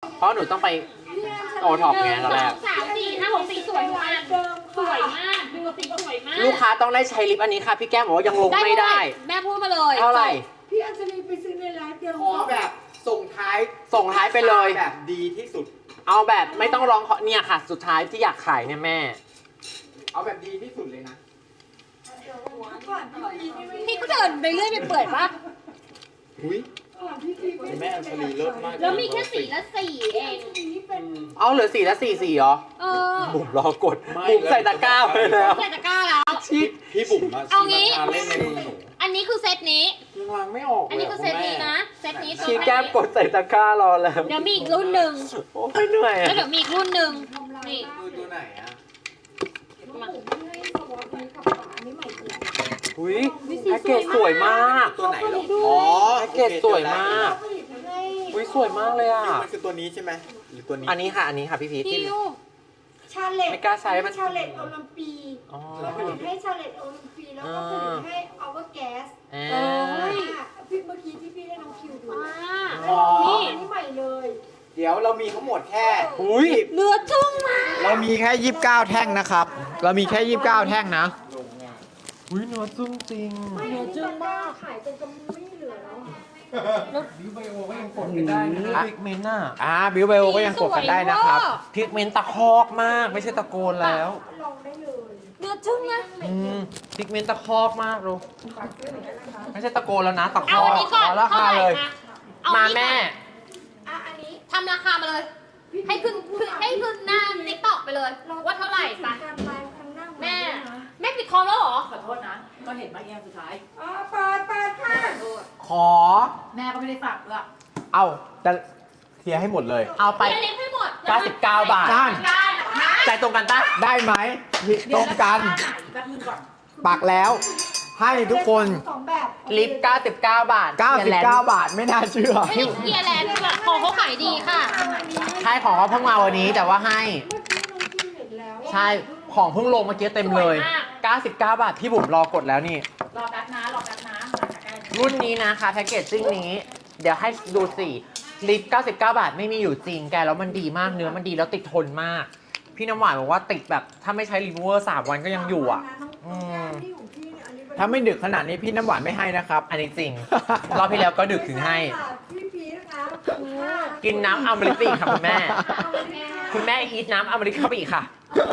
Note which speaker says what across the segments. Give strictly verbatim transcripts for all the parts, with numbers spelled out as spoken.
Speaker 1: เพราะหนูต้องไปโอท็อปไงตอนแรก
Speaker 2: สามสี่ห้าหกสี่สวยมากสวยมากดูสีสวยมาก
Speaker 1: ลูกค้าต้องได้ใช้ลิปอันนี้ค่ะพี่แก้มบอกว่ายังลงไม่ได้
Speaker 2: แม่พูดมาเลย
Speaker 1: เท่าไหร่
Speaker 3: พี่อัญชลีไปซื้อในร้านเดิม
Speaker 4: ขอแบบส่งท้าย
Speaker 1: ส่งท้ายไปเลย
Speaker 4: แบบดีที่สุด
Speaker 1: เอาแบบไม่ต้องร้องขอเนี่ยค่ะ สุดท้ายที่อยากขายเนี่ยแม่
Speaker 4: เอาแบบดีที่สุดเลยนะ
Speaker 3: ก่อนพี่พีไม่
Speaker 2: พี่ก็เดินไปเรื่อยไปเปื่อยปะ
Speaker 4: อุ้ย
Speaker 3: ก่อนพี่พีไม่
Speaker 4: แม่อัญชลีเลิศมาก
Speaker 2: แล้วมีแค่สีละสี่เอง
Speaker 3: นี้เป็น
Speaker 1: เอาเหลือสี่และสี่สี่เหรอ
Speaker 2: เออ
Speaker 1: บุ๋มรอกดบุ๋มใส่ตะกร้าไปแล้ว
Speaker 2: ใส่ตะกร้าแล้ว
Speaker 4: พี่พี่บุ๋มมา
Speaker 2: เอางี้
Speaker 4: ชีมาเล่นในมือหนู
Speaker 2: อันนี้คือเซตนี้
Speaker 4: ยังวางไม่ออกเลย
Speaker 2: อันนี้คือเซตนี้นะ เซตนี้ตัว
Speaker 1: ชี้แก้มกดใส่ตะกร้ารอแล้ว
Speaker 2: เดี๋ยวมีอีกรุ่นหนึ่ง
Speaker 1: โอ้ยเหนื่อย
Speaker 2: แล้ว
Speaker 1: อะ
Speaker 2: เดี๋ยวมีอีกรุ่นหนึ่งนี่
Speaker 4: คือตัวไหนอ่ะ
Speaker 3: ผมให้สวอปนี้กับฝานี้ใหม่เลย
Speaker 1: อุ้ยแพ็กเกจสวยมาก
Speaker 4: ตัวไหนเหรออ๋อ
Speaker 1: แพ็กเกจสวยมาก
Speaker 3: ผลิตให้
Speaker 1: อุ้ยสวยมากเลยอ่ะ
Speaker 4: มันคือตัวนี้ใช่ไหมหรือตัวนี้
Speaker 1: อันนี้ค่ะอันนี้ค่ะพี่พีท
Speaker 2: พี่
Speaker 1: ที่
Speaker 2: ลูก
Speaker 3: ชาเลต
Speaker 1: ไม่กล้าใช้มัน
Speaker 3: ชาเลตโอลิมปี
Speaker 1: อ๋อ
Speaker 3: เขาผลิตให้ชาเลตโอลิมปีแล้วก็ผลิตให้อเวอร์แก๊ส
Speaker 1: อ่า
Speaker 3: พี่เมื่อกี้ที่พี่ได้น้องคิวดู
Speaker 2: อ่า
Speaker 4: อ๋อ
Speaker 2: นี่
Speaker 3: อันนี้ใหม่เลย
Speaker 4: เดี๋ยวเรามีทั้งหมดแค่
Speaker 1: อุ้ย
Speaker 2: เนื้อจุ้งมาก
Speaker 4: เรามีแค่ยี่สิบเก้าแท่งนะครับ เรามีแค่ยี่สิบเก้าแท่งนะ
Speaker 1: อุ้ยเนื้อจุ้งจริง
Speaker 3: ไม่เนื้อจึ้งมากขายจนกำไม่เหลือแล้วอะ
Speaker 1: พิกเมนต์อ่ะ
Speaker 4: อ่าบิวเบลก็ยังกดกันได้นะครับ
Speaker 1: พิกเมนต์ตะคอกมากไม่ใช่ตะโกนแล้ว
Speaker 3: ลองได้เลย
Speaker 2: เนื้อจุ้งนะ
Speaker 1: อืมพิกเมนต์ตะคอกมากลูกไม่ใช่ตะโกนแล้วนะตะค
Speaker 2: เอา
Speaker 1: อก
Speaker 2: อันนี้ก่อน
Speaker 1: ขอรา
Speaker 2: เท่า
Speaker 1: คา
Speaker 2: ไหร่
Speaker 1: เลย
Speaker 2: คะเอ
Speaker 1: มา
Speaker 2: อันนี้
Speaker 1: แม่
Speaker 2: ก่อน
Speaker 3: อ่ะอันนี้
Speaker 2: ทำราคามาเลย ให้ขึ้นขึ้นให้ขึ้นหน้าติ๊กต็อกไปเลย ว่าเท่าไหร่ไป
Speaker 3: การไลฟ์ครั้งหน้า
Speaker 2: แม่ แม่ปิดคอมแล้วเหรอ
Speaker 5: ขอโทษนะ ก็เห็นมาเองสุดท้าย
Speaker 3: อ๋อเปิดเปิดค่ะ
Speaker 5: ขอโทษ
Speaker 4: ขอ
Speaker 5: แม่ก็ไม่ได้ฝากด้วย
Speaker 4: เอาจะเคลียร์ให้หมดเลย
Speaker 1: เอาไป
Speaker 2: ไปเล็กให้หมด
Speaker 1: เก้าสิบเก้าบาท
Speaker 4: นั่น
Speaker 1: ใจตรงกันปะ
Speaker 4: ได้ไหมตรงกัน
Speaker 5: แป๊บนึงก่อน
Speaker 4: ปักแล้ว ให้ทุกคน
Speaker 3: สองแบบ
Speaker 1: ลิปเก้าสิบเก้าบาท
Speaker 4: เก้าสิบเก้า บาทไม่น่าเชื่อ
Speaker 2: ไม่ได้เกียร์แลนด์ด้วยของเขาขายดีค่ะ
Speaker 1: ใช่ของเขาเพิ่งมาวันนี้แต่ว่าให้
Speaker 3: เมื่อกี้น้องกินเห็นแล้ว
Speaker 1: ใช่ของเพิ่งลงเมื่อกี้เต็มเลย
Speaker 2: สวยมาก
Speaker 1: เก้าสิบเก้าบาทพี่บุ๋มรอกดแล้วนี่
Speaker 5: รอแป๊บนะ รอแป๊บนะมาจากใกล้
Speaker 1: รุ่นนี้นะคะแพ็กเกจจิ้งนี้ เดี๋ยวให้ดูสิลิปเก้าสิบเก้าบาทไม่มีอยู่จริงแกแล้วมันดีมากเนื้อมันดีแล้วติดทนมาก พี่น้ำหวานบอกว่าติดแบบถ้าไม่ใช้รีมูเวอร์สามวันก็ยังอยู่อ่ะ อืม
Speaker 3: ที่ของพี่เนี่ยอันนี้เป็น
Speaker 4: ถ้าไม่ดึกขนาดนี้พี่น้ำหวานไม่ให้นะครับ
Speaker 1: อันนี้จริง รอบที่แล้วก็ดึกถึงให้
Speaker 3: พี่พีนะคะ
Speaker 1: กินน้ำอมฤตอีกค่ะคุณแม่
Speaker 3: เอาเลยค่ะ
Speaker 1: คุณแม่อีทน้ำอมฤตเข้าไปอีกค่ะ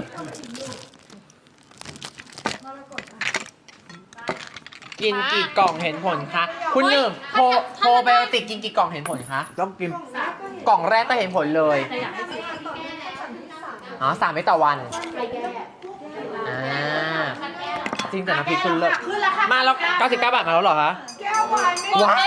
Speaker 3: มรกตอ่ะ
Speaker 1: กินกี่กล่องเห็นผลคะ คุณหนึ่งโพโพไบโอติกกินกี่กล่องเห็นผลคะ
Speaker 4: ต้องกิน
Speaker 3: กล่องแรกก็เห็น
Speaker 1: กล่องแรกก็เห็นผลเลย
Speaker 5: แต่อยากให้ซื้อ
Speaker 3: ต่อไปก็สั่งที่สาม
Speaker 1: อ๋อสามเม็ดต่อวัน
Speaker 5: ใครแก้
Speaker 1: อ่า จริงแต่น้ำพริกคุณเลิศ
Speaker 5: ขึ้นแล้วค่ะ
Speaker 1: มาแล้วเก้าสิบเก้าบาทมาแล้วเหรอคะ
Speaker 3: แก้ววายไม่
Speaker 1: ว้าว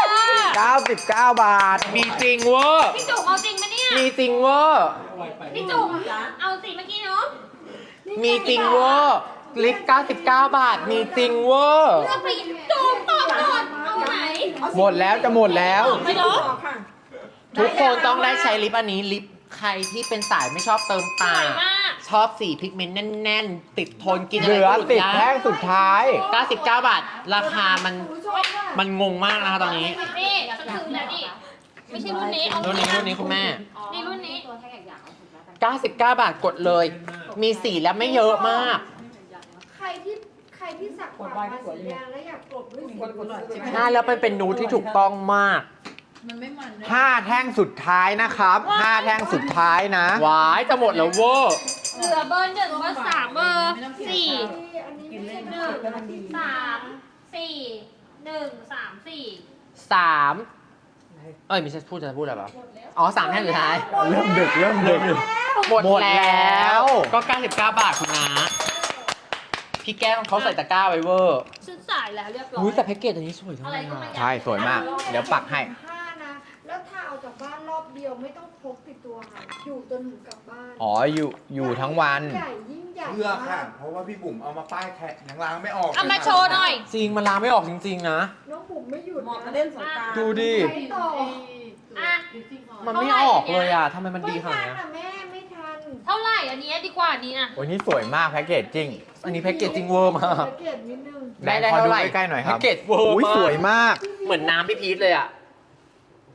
Speaker 4: เก้าสิบเก้า บาท
Speaker 1: มีจริงเวอร์
Speaker 2: พี่จุ๋มเอาจริงปะเนี่ย
Speaker 1: มีจริงเวอร์
Speaker 2: พี่จุ๋มเอาสิเมื่อกี้เนาะ
Speaker 1: มีจริงเวอร์ลิปเก้าสิบเก้าบาท มีจริงเวอร์
Speaker 2: เลือกไปจุ๋มตอบก่อนเอาไหน
Speaker 4: หมดแล้วจะหมดแล้ว
Speaker 2: ไปเนาะ
Speaker 3: ต่อค่ะ
Speaker 1: ทุกคนต้องได้ใช้ลิปอันนี้ลิปใครที่เป็นสายไม่ชอบเติม
Speaker 2: ส
Speaker 1: ตา
Speaker 2: วยมาก
Speaker 1: ชอบสีพิกเมนต์แน่นๆ ติดทนกินอะ
Speaker 4: เห
Speaker 1: ไร
Speaker 4: ลือ
Speaker 1: ก็หยุด
Speaker 4: สิบ
Speaker 1: ได้
Speaker 4: แท่งสุดท้าย
Speaker 1: เก้าสิบเก้าบาท ราคามัน
Speaker 3: ผู้ชมค่ะ
Speaker 1: มันงงมากนะคะตอนนี้
Speaker 2: นี่ฉันซื้อแล้วนี่ไม่ใช่รุ่นนี้เอา
Speaker 1: รุ่นนี้รุ่นนี้คุณแม่
Speaker 2: นี่รุ่นนี้
Speaker 1: เก้าสิบเก้าบาทกดเลย มีสีแล้วไม่เยอะมาก
Speaker 3: ใครที่ใครที่สักปากมาสีแดงแล้วอยากกลบด้วยสี
Speaker 1: ใช่แล้วเป็นเป็นนูดที่ถูกต้องมาก
Speaker 5: มันไม่มันเลย
Speaker 4: ห้าแท่งสุดท้ายนะครับห้าแท่งสุดท้ายนะ
Speaker 1: หวายจะหมดแล้วเวอร์
Speaker 2: เหลือเบอร์หนึ่งเบอร์สามเบอร์สี่
Speaker 3: อันนี้ไม่ใช่
Speaker 2: หนึ่งสามสี่หนึ่งสามสี่
Speaker 1: สามเอ้ยไม่ใช่พูดจะพูดอะไรเปล่าอ๋อสามแท่งสุดท้าย
Speaker 4: เริ่มดึกเริ่มดึก
Speaker 1: หมด
Speaker 4: หมดแล้
Speaker 1: แล้ว
Speaker 4: ว
Speaker 1: ก็เก้าสิบเก้าบาทคุณนะพี่แก้มเขาใส่ตะกร้าไว้เวอร์
Speaker 2: ฉันสายแล้วเรียบร้อย
Speaker 1: อุ้ยแต่แพ็กเกจอันนี้สวยจัง
Speaker 2: อะ
Speaker 1: เล
Speaker 2: ไร
Speaker 1: ย
Speaker 2: ก็ไม่
Speaker 1: อะ
Speaker 2: ได้
Speaker 4: ใช่สวยมาก เดี๋ยวปักให้
Speaker 3: ห้านะ แล้วถ้าเอาจากบ้านรอบเดียวไม่ต้องพกติดตัวค่ะ อยู่จนถึงกลับบ้าน
Speaker 4: อ๋ออยู่อยู่ทั้งวัน
Speaker 3: ใหญ่ยิ่งใหญ่
Speaker 4: เพื่อค่ะ
Speaker 3: มาก
Speaker 4: เพราะว่าพี่บุ๋มเอามาป้ายแท็กยังล้างไม่ออก
Speaker 2: เอามาโชว์หน่อย
Speaker 1: จริงมันล้างไม่ออกจริงๆนะ
Speaker 3: น้องบุ๋มไม่หยุด
Speaker 5: เหมาะกับ
Speaker 3: นะ
Speaker 5: เล่นสงกราร
Speaker 1: ดูดิ
Speaker 3: ไปต่อ
Speaker 2: อ่ะ
Speaker 1: มันไม่ออกเลยอะทำไมมันดีขนาด
Speaker 3: ไม่
Speaker 1: เนี้ย
Speaker 3: ทันอะแม่ไม่ทัน
Speaker 2: เท่าไหร่อันนี้ดีกว่าอันนี้นะ
Speaker 4: โอ้ยนี่สวยมากแพ็กเกจจริง
Speaker 1: อันนี้แพ็กเกจจริงเวอร์มาก
Speaker 3: สังเกตนิดนึง
Speaker 1: ได้ได้เท่าไหร่
Speaker 4: ขอใกล้ๆหน่อยครับ
Speaker 1: แพ็กเกจเวอร์
Speaker 4: อุ้ย
Speaker 1: มาก
Speaker 4: สวยมาก
Speaker 1: เหมือนน้ำพี่พีทเลยอะ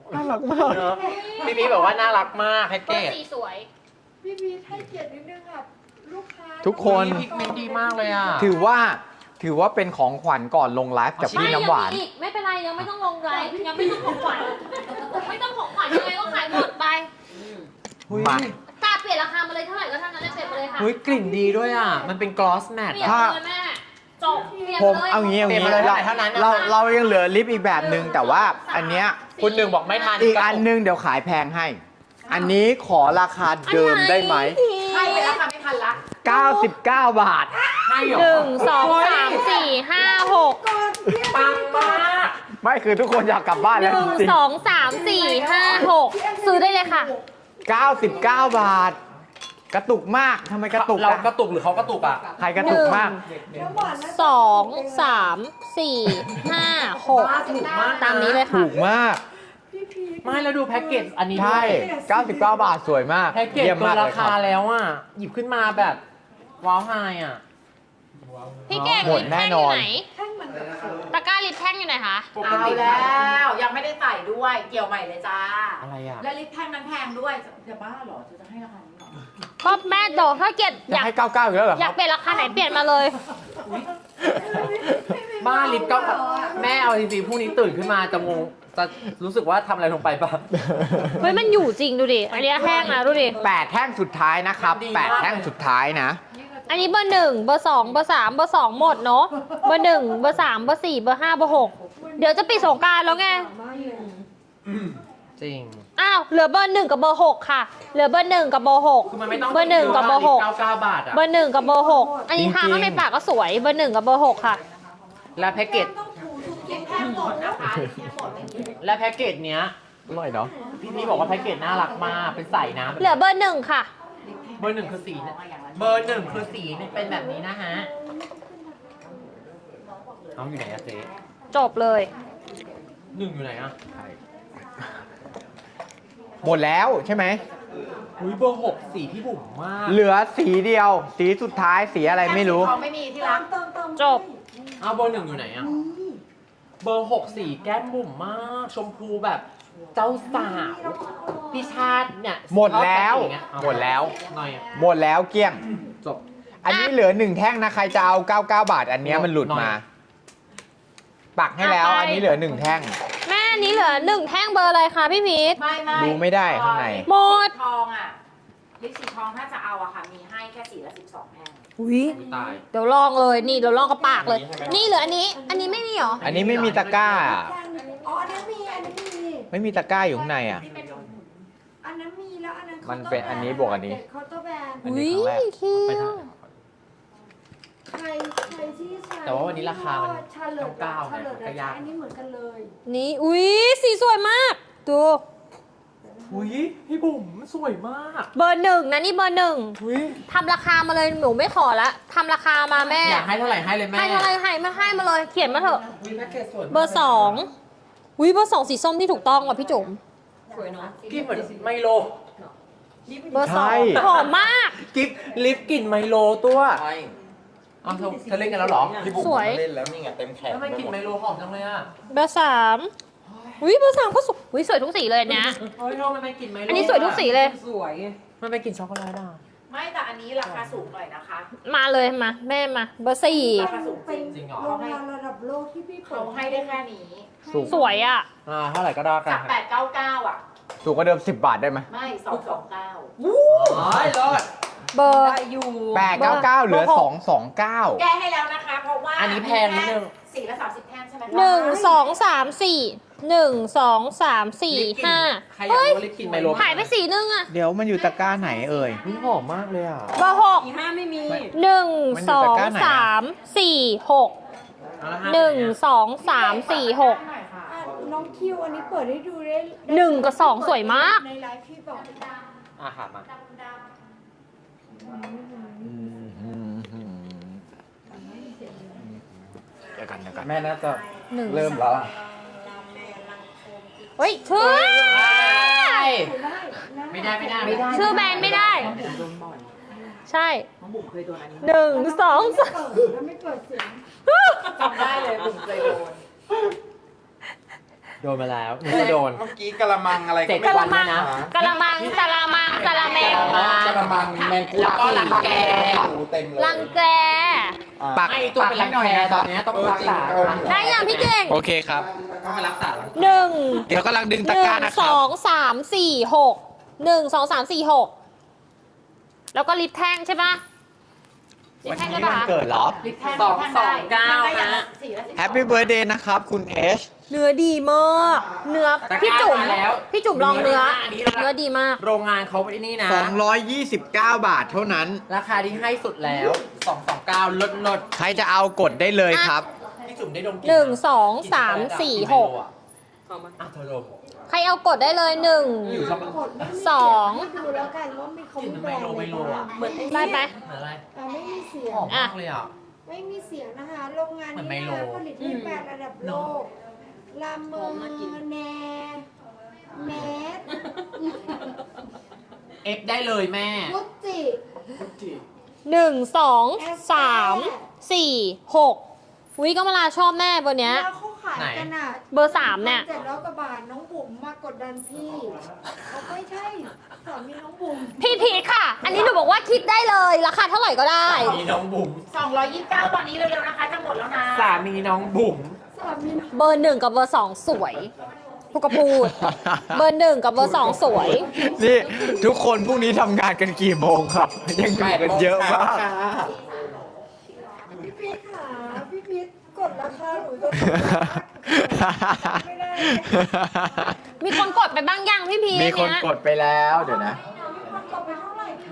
Speaker 4: น่ารักมาก
Speaker 1: เนอะพี่พีบอกว่าน่ารักมากแพ็ก
Speaker 2: เบ
Speaker 1: เก
Speaker 2: อร์
Speaker 1: จ
Speaker 2: สี่สวย
Speaker 3: พี่พีทให้เกียรตินิดนึงค่ะลูกค้า
Speaker 4: ทุกคน
Speaker 1: พิกเมนต์ดีมากเลยอ่ะ
Speaker 4: ถือว่าถือว่าเป็นของขวัญก่อนลงไลฟ์กับ
Speaker 2: ไม่
Speaker 4: พี่
Speaker 2: ยัง
Speaker 4: น้ำหวาน
Speaker 2: มีอีกไม่เป็นไรยังไม่ต้องลงไลฟ์ยังไม่ต้องของขวัญไม่ต้องของขวัญยังไงก็ขายหมดไป
Speaker 1: หุ้ย
Speaker 4: มา
Speaker 2: ตาเปลี่ยนราคามาเลยเท่าไหร่ก็เท่านั้นเลยเปลี่ยนมาเลยค่ะ
Speaker 1: หุ้ยกลิ่นดีด้วยอ่ะ มันเป็นกลอสแมท
Speaker 2: เปลี่ยน
Speaker 1: อ่ะ
Speaker 2: เลยแม่จบเปลี่ยน
Speaker 4: ผม
Speaker 2: เลย
Speaker 4: เอางี้เอา
Speaker 1: เปลี่ยน
Speaker 4: งี้
Speaker 1: มาเลย
Speaker 4: เรา
Speaker 1: เท่านั้นนะคะ
Speaker 4: เราเรายังเหลือลิปอีกแบบหนึ่งแต่ว่าอันเนี้ย
Speaker 1: คุณหนึ่งบอกไม่ทัน
Speaker 4: อีกอันหนึงเดี๋ยวขายแพงให้ อันนี้ขอราคาเดิมได้ไหม
Speaker 5: ให้ไปแล้วค่ะไม่ทันละ
Speaker 4: เก้าสิบเก้า บาท
Speaker 1: ให้เหรอ
Speaker 2: หนึ่งสองสามสี่ห้าหก
Speaker 1: ปังมาก
Speaker 4: ไม่คือทุกคนอยากกลับบ้าน
Speaker 2: ห
Speaker 4: แล้ว
Speaker 2: นึ่
Speaker 4: จ
Speaker 2: ง
Speaker 4: ริง
Speaker 2: สองสามสี่ห้าหกซื้อได้เลยค่ะ
Speaker 4: ๆเก้าสิบเก้า บาท กระตุกมากทำไมกระตุก
Speaker 1: เรา
Speaker 4: อะ
Speaker 1: กระตุกหรือเขากระตุกอ่ะ
Speaker 4: ใครกระตุกมาก
Speaker 3: น้ำหวานนะ
Speaker 2: สองสามสี่ห้าหก
Speaker 1: ถูกมาก
Speaker 2: ตามนี้เลยค่ะ
Speaker 4: ถูกมาก
Speaker 3: พี่พีท
Speaker 1: ไม่แล้วดูแพ็กเกจอันนี้
Speaker 4: ใช่
Speaker 1: ด้วย
Speaker 4: เก้าสิบเก้า บาทสวยมาก
Speaker 1: แพ็กเกจ
Speaker 4: เยี่ยม
Speaker 1: เกิ
Speaker 4: มาก
Speaker 1: น
Speaker 4: เล
Speaker 1: ราย
Speaker 4: ครั
Speaker 1: คา
Speaker 4: บ
Speaker 1: แล้วอ่ะ หยิบขึ้นมาแบบว้าวไฮอ่ะ
Speaker 2: พี่เก่ง
Speaker 4: หมด
Speaker 2: ลิป
Speaker 4: แน่
Speaker 2: แท่ง
Speaker 4: น
Speaker 2: อ
Speaker 4: อน
Speaker 2: ยู่ไหน
Speaker 3: แท่งมันกับเขา
Speaker 2: ตะกร้าลิปแท่งอยู่ไหนคะ
Speaker 5: เอาแล้วยังไม่ได้ใส่ด้วยเกี่ยวใหม่เลยจ้า
Speaker 1: อะไรอ่ะ
Speaker 5: และลิปแท่งนั้นแพงด้วยจะบ้าเหรอจะให้ราคานี้เหรอ
Speaker 2: ก็แม่เดี๋ยวถ้าเกิดอ
Speaker 4: จะ
Speaker 2: ยาก
Speaker 4: ให้เก้าเก้าอีกแล้วเหรอ
Speaker 2: อ
Speaker 4: ค
Speaker 2: ยา
Speaker 4: รั
Speaker 2: ก
Speaker 4: บ
Speaker 2: เปลี่ยนราคาไหนเปลี่ยนมาเลย
Speaker 1: บ้าลิปก็แม่เอาจริงๆพรุ่งนี้ตื่นขึ้นมาจะงงจะรู้สึกว่าทำอะไรลงไปป่ะ
Speaker 2: เฮ้ยมันอยู่จริงดูดิ อันนี้แห้งนะดูดิ
Speaker 4: แปดแท่งสุดท้ายนะครับ
Speaker 1: ดีมาก
Speaker 4: แปดแท่งสุดท้ายนะ
Speaker 2: อันนี้เบอร์หนึ่งเบอร์สองเบอร์สามเบอร์สองหมดเนาะ เบอร์หนึ่งเบอร์สามเบอร์สี่เบอร์ห้าเบอร์หกเดี๋ยวจะปิดสงกรารแล้วไง
Speaker 3: มากเลย
Speaker 1: จริง
Speaker 2: อ้าว เหลือเบอร์หนึ่งกับเบอร์หกค่ะ เหลือเบอร์หนึ่งกับเบอร์หก
Speaker 1: คือมันไม่ต้อง
Speaker 2: เบอร์หนึ่งกับเบอร์หก
Speaker 1: เก้าเก้าบาทอ่ะ
Speaker 2: เบอร์หนึ่งกับเบอร์หกอันนี้
Speaker 4: จริงๆ
Speaker 2: ทาข้างในปากก็สวย เบอร์หนึ่งกับเบอร์หกค่ะ
Speaker 1: และแพ็กเกจ
Speaker 3: ต้องถูทุก
Speaker 5: ลิปแท่งหมดนะคะลิปแท่งหมดไม่มี
Speaker 1: และแพ็กเกจเนี้ย
Speaker 4: อร่อยเนาะ
Speaker 1: พี่พี่บอกว่าแพ็กเกจน่ารักมาก เป็นใส่น้ำ
Speaker 2: เหลือเบอร์หนึ่งค่ะ
Speaker 1: เบอร์หนึ่งคือสีเนี่ยเบอร์หนึ่งคือสีเนี่ยเป็นแบบนี้นะฮะ เอาอยู่ไหนอะเจ๊
Speaker 2: จบเลย
Speaker 1: หนึ่งอยู่ไหนอะ
Speaker 4: หมดแล้วใช่ไหม
Speaker 1: อุ้ยเบอร์หกสีพี่บุ๋มมาก
Speaker 4: เหลือสีเดียว สีสุดท้ายสีอะไรไม่รู้
Speaker 5: แค่สีทองไม่มีที่
Speaker 3: เติ
Speaker 5: รั
Speaker 3: ม
Speaker 5: ก
Speaker 3: เติมเติม
Speaker 2: จบ
Speaker 1: เอาเบอร์หนึ่งอยู่ไหนอะเบอร์หกสีแก้มบุ๋มมาก ชมพูแบบเจ้าสาวพี่ชาติเนี่ย
Speaker 4: หมดแล้ว
Speaker 1: ชอบสีอย่างเงี้ยเอา
Speaker 4: หมดแล้ว
Speaker 1: หน่อยอะ
Speaker 4: หมดแล้วเกลี้ยง
Speaker 1: จบ
Speaker 4: อันนี้เหลือหนึ่งแท่งนะ ใครจะเอาเก้าเก้า บาท อันเนี้ยมันหลุดมา ปักให้แล้ว
Speaker 2: เอาไป
Speaker 4: อันนี้เหลือหนึ่งแท่ง
Speaker 2: แม่อันนี้เหลือหนึ่งแท่งเบอร์อะไรคะพี่พีท
Speaker 5: ไม่ไม่
Speaker 4: ดูไม่ได้ข้างใน
Speaker 2: หมด
Speaker 5: ลิปสีทองอ่ะลิปสีทองถ้าจะเอาอะค่ะมีให้แค่สีละสิบสองแท่ง
Speaker 2: อุ้ย
Speaker 1: อุ๊ยตาย
Speaker 2: เดี๋ยวลองเลย นี่เดี๋ยวลองกับปากเลย
Speaker 1: อันนี้ใช่ไหม
Speaker 2: นี่เหลืออันนี้ อันนี้ไม่มีเหรอ
Speaker 4: อันนี้ไม่มีตะกร้า
Speaker 3: แท่งอ๋ออันนั้นมีอันนั้นมี
Speaker 4: ไม่มีตะกร้าอยู่ข้างในอ่ะ
Speaker 3: อันนั้นมีแล้วอันนั้น
Speaker 4: มันเป็นอันนี้บวกอันนี้
Speaker 3: เคาน์เตอร์แบรนด์
Speaker 4: อัน
Speaker 2: อุ้
Speaker 4: นี้
Speaker 2: ย
Speaker 4: ครั้งแรก
Speaker 2: คิ
Speaker 1: ไป
Speaker 2: ว
Speaker 1: ทาง
Speaker 3: ใครใครที่ใช้
Speaker 1: แต่ว่าวันนี้ราคามัน
Speaker 3: ชาเลิศ
Speaker 1: เก้าๆ
Speaker 3: ชาเลิศ
Speaker 1: ไงก็ยาก
Speaker 3: อันนี้เหมือนกันเลย
Speaker 2: นี่อุ้ยสีสวยมาก ดู
Speaker 1: อุ้ยพี่บุ๋มสวยมาก
Speaker 2: เบอร์หนึ่งนะนี่เบอร์หนึ่ง
Speaker 1: อุ้ย
Speaker 2: ทำราคามาเลยหนูไม่ขอละทำราคามาแม่
Speaker 1: อยากให้เท่าไหร่ให้เลยแม่
Speaker 2: ให้เท่าไรให้มาให้มาเลย เขียนมาเถอะ
Speaker 1: อุ๊ยแพ็กเกจสวยมาก
Speaker 2: เบอร์สองอุ้ยเบอร์สองสีส้มที่ถูกต้องว่ะพี่จุ๋ม
Speaker 1: กินเหมือนไมโล
Speaker 2: เบอร์สอ
Speaker 4: ใช่
Speaker 2: งหอมมาก
Speaker 1: กิฟลิฟกลิ่นไมโลตัวเอาเธอเธอเล่นกันแล้วเหรอ
Speaker 6: พี่บุ๋ม
Speaker 2: สวย
Speaker 6: เล่นแล้วนี่ไงเต็มแขน
Speaker 1: ทำไมกลิ่นไมโลหอมจังเลยอ่ะ
Speaker 2: เบอร์สามอุ้ยเบอร์สามก็สวยอุ้ยสวยทุกสีเลยอันเนี้ย
Speaker 1: เฮ้ยทำไมไม่กลิ่นไมโล
Speaker 2: อันนี้สวยทุกสีเลย
Speaker 1: มันเป็นกลิ่นช็อกโกแลตอ่ะ
Speaker 5: ไม่แต่อันนี้ราคาสูงหน่อยนะคะ
Speaker 2: มาเลยมาแม่มา เบอร์สี่
Speaker 5: ราคาสูงจ
Speaker 3: เป็
Speaker 5: ริ
Speaker 3: น
Speaker 5: ง
Speaker 1: จริงเหรอ
Speaker 3: โรงงานระดับโลกที่พี่เปิ
Speaker 5: เขา
Speaker 3: ด
Speaker 5: ให้ได้แค่นี้
Speaker 4: สูง
Speaker 2: สวยอ่ะ
Speaker 1: อ่าเท่าไหร่ก็ได้กั
Speaker 5: จาน กแปดเก้าเก้าอ่ะ
Speaker 4: สูงกว่าเดิมสิบบาทได้ไหม
Speaker 5: ไม่สองสองเก้า
Speaker 1: อ๋อรอด
Speaker 2: เบอร์
Speaker 4: แปดเก้าเก้าเหลือ
Speaker 2: เบอร์หก
Speaker 4: สองสองเก้า
Speaker 5: แก้ให้แล้วนะคะ เพราะว่า
Speaker 1: อันนี้แพงนิดนึง
Speaker 5: สีละสามสิบแท่งใช่ไหมคะ
Speaker 2: หนึ่งสองสามสี่หนึ่งสองสามสี่ห้า
Speaker 1: ใครอยาก
Speaker 2: เฮ้ย
Speaker 1: รู้ว่าลิฟกลิ่นไมโล
Speaker 2: หายไปสีนึงอ่ะ
Speaker 4: เดี๋ยวมันอยู่ตะกร้าไหนเอ่ย
Speaker 1: นี่หอมมากเลยอ่ะ
Speaker 2: เบอร์หก
Speaker 6: ห้าไม่มี
Speaker 2: หนึ่ง
Speaker 4: มันอ
Speaker 2: ส
Speaker 4: ยู่
Speaker 2: อ
Speaker 4: ตะ
Speaker 2: ง
Speaker 4: กร้าไหนอะ
Speaker 2: สามสี่หก
Speaker 1: เอาละฮะ
Speaker 2: หนึ่งสองสามสี่หก
Speaker 5: หน่อยค่ะ
Speaker 3: อ่ะน้องคิวอันนี้เปิดให้ดูได้
Speaker 2: หนึ่งกับสองสวยมาก
Speaker 3: ในไลฟ์พี่บอก
Speaker 1: อ่ะค่ะมา
Speaker 4: เดี๋ยวกันเดี๋ยวกัน
Speaker 6: แม่น่าจะ
Speaker 2: หนึ่ง
Speaker 6: เริ่มแล้ว
Speaker 2: เฮ้ยชื่อ
Speaker 1: ไม่ได้ไม่ได้ไม่ได้
Speaker 2: ชื่อแบรนด์ไม่ได้ ใช่
Speaker 5: น้องบุ๋มเคยโดนอันนี้
Speaker 2: หนึ่งสองสาม
Speaker 3: เปิดแล้วไม่เปิดเสียง
Speaker 5: จำได้เลยบุ๋มเคยโดน
Speaker 1: โดนมาแล้วหนูก็โดน
Speaker 6: เมื่อกี้กะละมังอะไร
Speaker 1: เจ็ด
Speaker 6: ไม่
Speaker 2: กะ
Speaker 6: รู้
Speaker 2: ละมัง
Speaker 1: นะ
Speaker 2: กะละมังกะละมังกะละแมง
Speaker 6: กะละมังแมงกุ
Speaker 1: แล้วก็รังแก
Speaker 6: หมูเต็มเลย
Speaker 2: รังแก
Speaker 6: อ่ะ
Speaker 4: ปัก
Speaker 1: ให้ตัวเป็นรังแคตอนนี้ต้องรักษา
Speaker 2: ได้ยังพี่เก่ง
Speaker 4: โอเคครับ
Speaker 1: ต้องไปรักษา
Speaker 2: หนึ่ง
Speaker 4: เดี๋ยวกำลังดึง
Speaker 2: ห
Speaker 4: ตะ
Speaker 2: นึ่
Speaker 4: กร้าง นะค
Speaker 2: ส
Speaker 4: รั
Speaker 2: อบ งสามสี่หกหนึ่งสองสามสี่หกแล้วก็ลิปแท่งใช่ปะลิป
Speaker 4: วัน
Speaker 2: แท่ง
Speaker 4: นี้
Speaker 2: ใช่ปะ
Speaker 4: วัน
Speaker 2: คะ
Speaker 4: เกิดเหรอ
Speaker 5: ลิปแท่ง
Speaker 1: สองสองเก้า
Speaker 5: มันได้อย่าง
Speaker 1: นะ
Speaker 5: ละสี่ละสิบสอง
Speaker 4: แฮปปี้เบิร์ดเดย์นะครับ คุณเอช
Speaker 2: เนื้อดีมากเนื้อพี่จุ๋ม
Speaker 1: ตะกร้ามาแล้ว
Speaker 2: พี่จุ๋มลองเนื้อ
Speaker 1: อันนี้ราคา
Speaker 2: เนื้อดีมาก
Speaker 1: โรงงานเขาไอ้นี่นะ
Speaker 4: สองร้อยยี่สิบเก้า บาทเท่านั้น
Speaker 1: ราคาที่ให้สุดแล้วสองสองเก้าลดลด
Speaker 4: ใครจะเอากดได้เลยครับ
Speaker 1: พี่จุ๋มได้ดมกลิ่
Speaker 2: หนึ่ง
Speaker 1: ะ
Speaker 2: สองสามสี่หก
Speaker 1: อ่ะเธอดม
Speaker 2: ใครเอากดได้เลยหนึ่ง
Speaker 1: อยู่ชอบ
Speaker 3: กดไม่มี
Speaker 2: สอง
Speaker 3: ให้ดูแล้วกันว่ามีเขา
Speaker 1: กลิ่น
Speaker 3: มี
Speaker 1: มัน
Speaker 3: แบ
Speaker 1: ไม
Speaker 3: รน
Speaker 1: โล
Speaker 3: ด์อะไร
Speaker 1: ไมโลอ่ะ
Speaker 3: เหมือนไอ้
Speaker 2: ได้
Speaker 3: นี่
Speaker 2: ไหม
Speaker 1: เหมือนอะไร
Speaker 3: อ่ะไม่มีเสีย
Speaker 1: ห
Speaker 3: ง
Speaker 1: อมมากเลยอ่ะ
Speaker 3: ไม่มีเสียงนะคะ โรงงาน
Speaker 1: เหมือนไม
Speaker 3: นี้
Speaker 1: โล
Speaker 3: นะผลิตให้แบรนด์ระดับโลก ลาเมอร์แนแมส
Speaker 1: เอฟได้เลยแม่
Speaker 3: กุจิ
Speaker 2: หนึ่งสองสามสี่หกวิก็มาลาชอบแม่เบอร์เนี้ย
Speaker 3: แล้วเขาขายกันอ่ะ
Speaker 2: เบอร์สามเนี่ย
Speaker 3: เจ็ดร้อยกว่าบาทน้องบุ๋มมากดดันพี่เขาไม่ใช่สามีน้องบุ๋ม
Speaker 2: พี่พีทค่ะ อันนี้หนูบอกว่าคิดได้เลย ราคาเท่าไหร่ก็ได้
Speaker 1: มีน้องบุ๋ม
Speaker 5: สองร้อยยี่สิบเก้าตอนนี้เร็วๆนะคะจะหมดแล้วนะ
Speaker 1: สามีน้องบุ๋ม
Speaker 3: สามีน้อง
Speaker 2: เบอร์หนึ่งกับเบอร์สองสวยพูดก็พูด เบอร์หนึ่งกับเบอร์สองสวย
Speaker 4: นี่ทุกคนพรุ่งนี้ทำงานกันกี่โมงครับ ยังอยู่กันเยอะมาก
Speaker 3: พี่พีทค่ะพี่พีทกดราคาหนูจะไม่ได้
Speaker 2: มีคนกดไปบ้างยังพี่พีท
Speaker 4: มีคน
Speaker 2: เนี้ย
Speaker 4: กดไปแล้วเดี๋ยวนะ
Speaker 3: กดไปเท่าไหร่คะ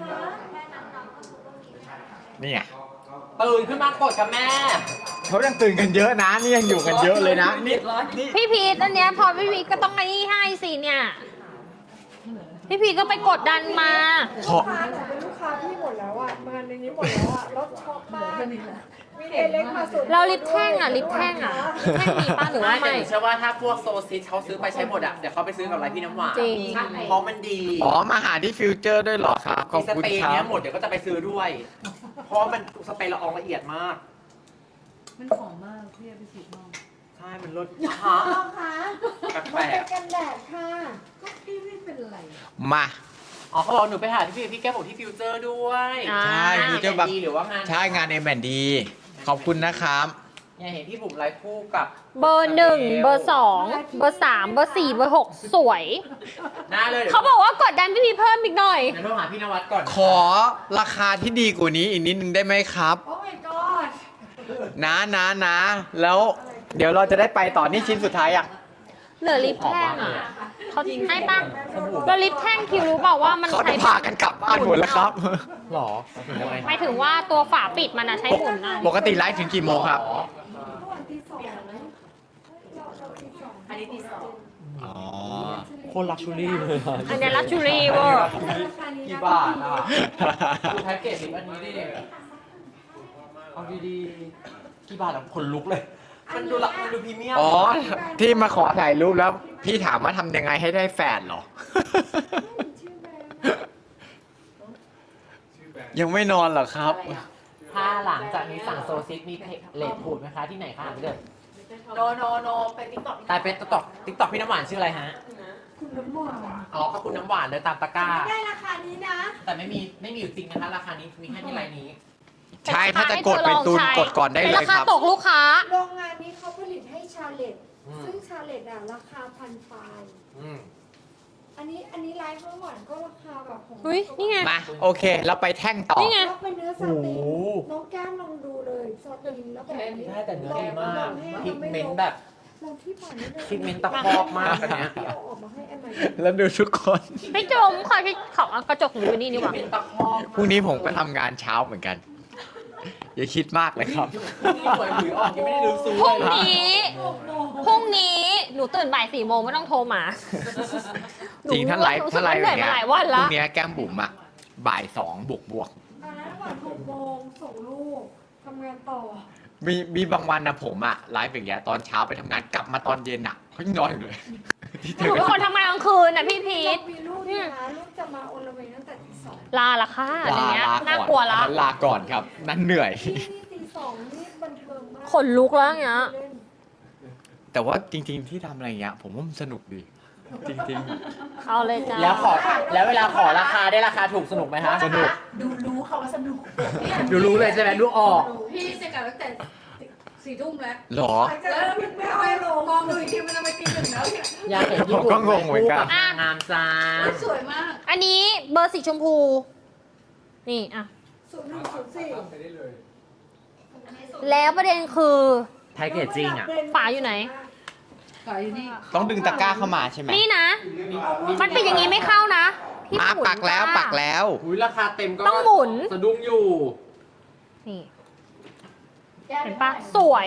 Speaker 4: นี่ไง
Speaker 1: ตื่นขึ้นมากดกับแม่
Speaker 4: เขายังตื่นกันเยอะนะ นี่ยังอยู่กันเยอะเลยนะนี่นี่
Speaker 2: พี่พีทอันเนี้ยพอพี่พีทก็ต้องไอ้นี่ให้สิเนี่ย พี่พีทก็ไปกดดันมา
Speaker 4: ขอ
Speaker 3: ลูกค้าหนูเป็นลูกค้าพี่หมดแล้วอ่ะมาในนี้หมดแล้วอ่ะรถช็อกมากมีเอเล็กมาสุด
Speaker 2: เราลิปแท่งอ่ะลิปแท่งอ่ะลิปแท่งมีป้าหรือว่า
Speaker 1: ไม่แต่
Speaker 2: ไม่
Speaker 1: หนูเชื่อว่าถ้าพวกโซซิสเขาซื้อไปใช้หมดอ่ะ เดี๋ยวเขาไปซื้อกับอะไรพี่น้ำหวาน
Speaker 2: จริง
Speaker 1: เพราะมันดี
Speaker 4: อ๋อมาหาที่ฟิวเจอร์ด้วยเหรอครับ ขอบ
Speaker 1: ส
Speaker 4: คุณ
Speaker 1: เปรย์
Speaker 4: ครั
Speaker 1: เนี้
Speaker 4: บ
Speaker 1: ยหมดเดี๋ยวก็จะไปซื้อด้วย เพราะมันสเปรย์ละอองละเอียดมาก
Speaker 7: มันหอมมากพี่เอาไปฉีดมอง
Speaker 1: ใช่ มันลดฮะ
Speaker 3: น้องคะ
Speaker 1: แปล
Speaker 3: มันเป็
Speaker 1: ก
Speaker 3: นกันแดดค่ะ
Speaker 7: ก็พี่ไม่เป็นไร
Speaker 4: มา
Speaker 1: ๆอ๋อเขาบอกหนูไปหาที่พี่พี่แก้มบอกที่ฟิวเจอร์ด้วย
Speaker 2: อ่า
Speaker 4: ใช่ฟิวเจอร์แบบ
Speaker 1: ดีหรือว่างาน
Speaker 4: ใช่งานเอ็มแอนดีขอบคุณนะครับ
Speaker 1: เนี่ยเห็นพี่บุ๋มไลฟ์คู่กับ
Speaker 2: เบอร์หนึ่งเบอร์สองเบอร์สามเบอร์สี่เบอร์หกสวย
Speaker 1: หน้าเลยดี๋ยว
Speaker 2: เขาบอกว่ากดดันพี่พีทเพิ่มอีกหน่อย
Speaker 1: เดี๋ยวโทรหาพี่นวัดก่อน
Speaker 4: ขอราคาที่ดีกว่านี้อีกนิดนึงได้ไหมครับ
Speaker 3: โอ้ my god
Speaker 4: นะนะนะ แล้วเดี๋ยวเราจะได้ไปต่อนี่ชิ้นสุดท้ายอ่ะ
Speaker 2: เหลือลิปแท่งอ่ะเขาให้ป่ะแล้วลิปแท่งคิวรู้เปล่าว่ามัน
Speaker 4: เขา
Speaker 2: ใช้
Speaker 4: จะพากันกลับบ้านหมดแล้วครับ
Speaker 1: หรอยังไง
Speaker 2: หมายถึงว่าตัวฝาปิดมันอะใช้หมุนนะ
Speaker 4: ปกติไลฟ์ถึงกี่โมงครับ
Speaker 3: เมื่อวันที่สองเราเราที่สอง
Speaker 5: อันนี้ตีสอง
Speaker 4: อ๋อ
Speaker 1: โคตรลักชูรี่เลยอะ
Speaker 2: อันเนี้ลักชูรี่เวอร์
Speaker 3: ราคานี้
Speaker 1: กี่
Speaker 3: นะ
Speaker 1: บาทอ่ะดูแพ็กเกจสิอันนี้ดิเอาดีๆกี่บาทอ่ะขนลุกเลย มันดูละมันดูพรีเมียม
Speaker 4: อ๋อ ที่มาขอถ่ายรูปแล้ว พี่ถามว่าทำยังไงให้ได้แฟนเหรอ
Speaker 3: ชื่อแบรนด์
Speaker 4: ยังไม่นอนเหรอครับ
Speaker 1: ถ้าหลังจากนี้สั่งโซซิสมีเลทพูดไหมคะที่ไหนคะพี่เดิน
Speaker 5: โนโนโนไปติ๊กต็อก
Speaker 1: ตายเป็นติ๊กต็อกติ๊กต็อกพี่น้ำหวานชื่ออะไรฮะ
Speaker 3: คุณน้ำหวาน
Speaker 1: อ๋อขอบคุณน้ำหวานเลยตามตะกร้า
Speaker 3: ไม่ได้ราคานี้นะ
Speaker 1: แต่ไม่มีไม่มีอยู่จริงนะคะ ราคานี้มีแค่ที่ไลน์นี้
Speaker 4: ใช่ถ้าจะกดเป็นตูนกดก่อนได้
Speaker 2: เป็น
Speaker 4: เลย
Speaker 2: รา
Speaker 4: ค
Speaker 2: คา
Speaker 4: รับ
Speaker 2: ตกลูกค้า
Speaker 3: โรงงานนี้เขาผลิตให้ชาเลต
Speaker 1: อืม
Speaker 3: ซึ่งชาเลตอ่ะราคาพันปลาย
Speaker 1: อืม
Speaker 3: อันนี้อันนี้ไลฟ์เมื่อวานก็ราคาแบบของ
Speaker 2: อุ๊ยนี่ไง
Speaker 4: มา โอเค เราไปแท่งต่อ
Speaker 2: นี่ไง
Speaker 3: แล้วเป็นเนื้อสติน
Speaker 1: โอ้โห
Speaker 3: น้องแก้มลองดูเลยสตินแล้วแบบนี้
Speaker 1: ใช่แต่เนื้อดีมาก
Speaker 3: ลองให้
Speaker 1: พิกเมนต์
Speaker 3: รา
Speaker 1: แบบ
Speaker 3: ลองที่ผ่านนี้เลย
Speaker 1: พิกเมนต์ตะคอกมากอันเนี้ย
Speaker 3: ที่เอาออกมาให้แอมใหม่
Speaker 4: แล้วดูทุกคน
Speaker 2: พี่จุ๋มขอที่ขอเอากระจกหนูอยู่นี่ดีกว่า
Speaker 1: พิกเมนต์ตะคอก
Speaker 4: พรุ่งนี้ผมก็ทำงานเช้าเหมือนกัน อย่าคิดมากเลยครับ
Speaker 1: นี่หวยหวยออกยังไม่ได้รู้ซู
Speaker 2: พรุ่ง
Speaker 1: เลย
Speaker 2: นี้ พรุ่งนี้หนูตื่นบ่ายสี่โมงไม่ต้องโทรมา
Speaker 4: จริงถ้าไลฟ์
Speaker 2: หนู
Speaker 4: ถ้าไลฟ์
Speaker 2: เห
Speaker 4: อ
Speaker 2: นื่อย
Speaker 4: ย่าง
Speaker 2: มา
Speaker 4: เงี้ย
Speaker 2: หลายวัน
Speaker 4: พรุ่
Speaker 2: ละ
Speaker 4: งนี้แก้มบุ๋มอะบ่ายสองบวกบวก
Speaker 3: ตอนนั้นวันหกโมงส่งลูกทำงานต่อ
Speaker 4: มีมีบางวันนะผมอะไลฟ์อย่างเงี้ยตอนเช้าไปทำงานกลับมาตอนเย็นอะเขายังนอนอยู่เลย
Speaker 2: หนูเป็นคนทำงานกลางคืนนะพี่พีท
Speaker 3: มีลูกนี่นะลูกจะมาโอละเวงตั้งแต่ตีสอง
Speaker 2: ลาละค่ะอะไร
Speaker 4: ลา
Speaker 2: เงี้ย
Speaker 4: ลา
Speaker 2: น่า
Speaker 4: ก่อน
Speaker 2: กลัวละ
Speaker 4: อันนั้นลาก่อนครับ นั่นเหนื่อย
Speaker 3: ที่นี่ตีสองนี่บันเทิงมาก
Speaker 2: ขนลุกแล้วอย่างเงี้ย
Speaker 3: เล่น
Speaker 4: แต่ว่าจริง ๆ ที่ทำอะไรอย่างเงี้ย ผมว่ามันสนุกดี จริง
Speaker 2: เอาเลยจ้า
Speaker 1: แล้วขอแล้วเวลาขอราคาได้ราคาถูกสนุกไหมคะ
Speaker 4: สนุก
Speaker 5: ดูรู้เขาว่าสนุก
Speaker 1: ดูรู้เลยใช่ไหมดูออก
Speaker 7: พี่จะกลับตั้งแต่สี่ทุ่มแล้ว
Speaker 4: ๆหรอ
Speaker 7: แล้วไม่เอาไปลงมองดูอีกทีมันจะไปตีหนึ่งแล้วเนี่ย
Speaker 1: อยากเห็นญี่ปุ่น
Speaker 4: ผมก็งงเหมือนกัน
Speaker 1: คู่บนางงามจ้า
Speaker 7: สวยมาก
Speaker 2: อันนี้เบอร์สีชมพู นี่อ่ะ
Speaker 3: ศูนย์หนึ่งศูนย์สี่
Speaker 2: แล้วประเด็นคือ
Speaker 1: แพ็กเกจจิ้งอ่ะ
Speaker 2: ฝาอยู่ไหน
Speaker 7: ขายอยู่นี่
Speaker 4: ต้องดึงตะกร้าเข้ามาใช่ไหม
Speaker 2: นี่นะ มันเป็นอย่างนี้ไม่เข้านะพี่
Speaker 4: มา
Speaker 2: หมุน
Speaker 4: ปักแล้ว
Speaker 2: จ้า
Speaker 4: ปักแล้ว
Speaker 1: อุ้ยราคาเต็มก็
Speaker 2: ต้องหมุน
Speaker 1: สะดุ้งอยู่
Speaker 2: นี่ เห็นปะสวย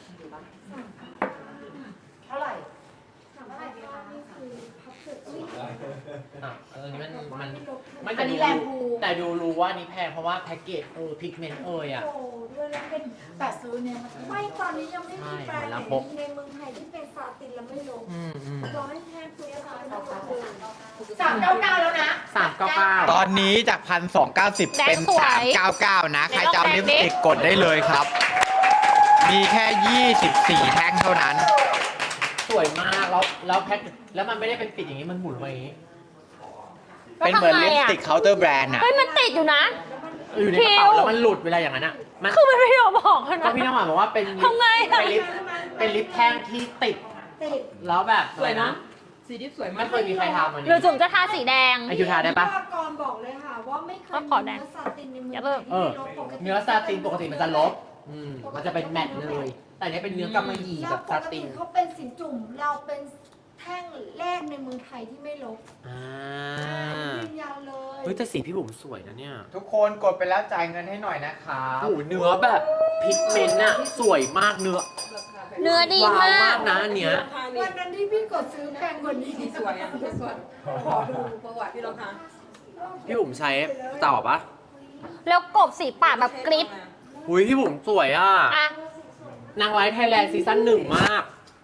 Speaker 5: เท่าไหร่
Speaker 3: ถามว่านี่คือพับเสร็จอุ้ย
Speaker 1: อ่ะอันนี้มันมันไม่
Speaker 5: อั
Speaker 1: แต่
Speaker 5: น
Speaker 1: ดู
Speaker 5: นี้แรงภู
Speaker 1: แต่ดูรู้ว่านี่แพงเพราะว่าแพ็กเกจเออพิกเมนต์เอยอ่ะ
Speaker 3: โอ้ด้วยแล้วเป็น
Speaker 5: แต่ซื้อเนี่ยมัน
Speaker 3: ไม่ตอนนี้ยังไม่มีแบรนด์
Speaker 1: ใช่
Speaker 3: ไหนในเมืองไทยที่เป็นซาตินแล้วไม่ลง
Speaker 1: อืมอืม
Speaker 3: ร้อยแพงคุยกันไม่ลงเลย
Speaker 5: สามเก้าเก้าแล้วนะ
Speaker 1: สามเก้าเก้า
Speaker 4: ตอนนี้จากพันสองเก้าสิบ
Speaker 2: แดง
Speaker 4: เป็น
Speaker 2: สวย
Speaker 4: สามเก้าเก้านะ ใครจะเอา
Speaker 2: แดง
Speaker 4: ลิป
Speaker 2: ดิ
Speaker 4: สติกกดได้เลยครับ มีแค่ยี่สิบสี่แท่งเท่านั้น
Speaker 1: สวยมากแล้วแล้วแพ็คแล้วมันไม่ได้เป็นปิดอย่างนี้มันหมุนมาอย่างนี้
Speaker 4: เป็นเหมือนลิปสติกเคาน์เตอร์แบรนด์อะ
Speaker 2: เฮ้ยมันติดอยู่นะ
Speaker 1: อยู่ในกระเป๋าแล้วมันหลุดเวลาอย่างนั้นอ่ะมัน
Speaker 2: คือมันไม่ยอมบอกกัน
Speaker 1: ก็
Speaker 2: นะ
Speaker 1: พี่น้ำหวานบอกว่าเป็นลิป
Speaker 2: ทำไงอะ
Speaker 1: เป็นลิปเป็นลิปแท่งที่ติด
Speaker 3: ติด
Speaker 1: แล้วแบบอะไรนะ
Speaker 7: สีดิบสวยมา
Speaker 1: ไม่
Speaker 7: ก
Speaker 1: เคยมีใครทำอัน
Speaker 2: หรือ
Speaker 1: นี้
Speaker 2: จุ๋มจะทาสีแดง
Speaker 1: ไอคิวทาได้ปะ
Speaker 3: พิธีกรบอกเลยค่ะว่าไม่เคย
Speaker 2: ก็ขอแดง
Speaker 3: เนื้อซาตินในเมือง
Speaker 2: อย่าเลิก
Speaker 1: เออ
Speaker 3: ที่ลดปกติ
Speaker 1: เนื้อซาตินปกติมันจะลบอืมมันจะเป็นแมตต์เลย แต่อันนี้เป็นเนื้อกำมะหยี่
Speaker 3: แล้
Speaker 1: แบ
Speaker 3: ว
Speaker 1: บ
Speaker 3: ป
Speaker 1: ซาก
Speaker 3: ติ
Speaker 1: ติน
Speaker 3: เขาเป็นสินจุ่มเราเป็นแท่งแรกในเมืองไทยที่ไม่ลบ
Speaker 1: อ่า
Speaker 3: ยืนยันเลย
Speaker 1: เฮ้ยแต่สีพี่บุ๋มสวยนะเนี่ย
Speaker 4: ทุกคนกดไปแล้วจ่ายเงินให้หน่อยนะครับ
Speaker 1: โอ้โหเนื้อแบบพิกเมนต์อะสวยมากเนื้อ
Speaker 2: เนื้อดี
Speaker 1: ว้าว
Speaker 2: มาม
Speaker 1: าก กนะอันเนี้ย
Speaker 3: วันนั้นที่พี่กดซื้อแพงกว่านี้
Speaker 7: สวยอ่ะสวยขอดูประวัติพี่รองเท้า
Speaker 1: พี่บุ๋มใช้ต่อปะ
Speaker 2: แล้วกบสีปากแบบกริป
Speaker 1: อุ้ยพี่บุ๋มสวยอ่ะ
Speaker 2: อ่ะ
Speaker 1: นางไลฟ์ไทยแลนด์ซีซั่นหนึ่งมาก